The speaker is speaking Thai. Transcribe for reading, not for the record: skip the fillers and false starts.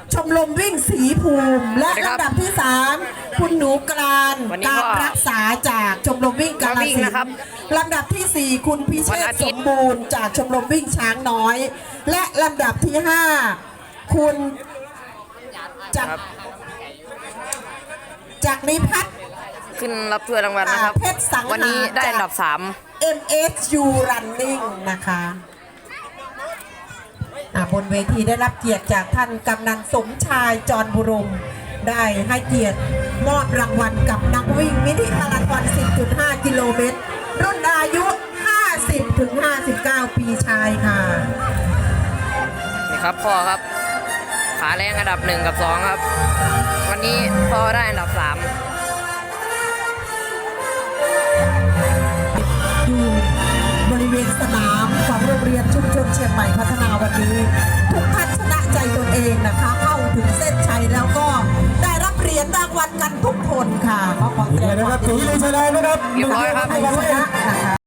ชมรมวิ่งศรีภูมิและลำดับที่3คุณหนูกรานการรักษาจากชมรมวิ่งกาฬสินธุ์ลำดับที่4คุณพิเชษสมบูรณ์จากชมรมวิ่งช้างน้อยและลำดับที่5คุณจากนิพัฒน์ขึ้นรับถ้วยรางวัลนะครับวันนี้ได้อันดับ3 MSU Running นะคะบนเวทีได้รับเกียรติจากท่านกำนันสมชายจรบุรมได้ให้เกียรติมอบรางวัลกับนักวิ่งมินิมาราธอน 10.5 กิโลเมตรรุ่นอายุ 50-59 ปีชายค่ะนี่ครับพ่อครับขาแรงอันดับ1กับ2ครับวันนี้พ่อได้อันดับ3 อยู่บริเวณสนามของโรงเรียนชุมชนเชียงใหม่พัฒนาวันนี้ทุกท่านชนะใจตนเองนะคะเข้าถึงเส้นชัยแล้วก็ได้รับเหรียญรางวัลกันทุกคนค่ะขอแสดงความยินดีนะครับถูกใจนะครับเรียบร้อยครับ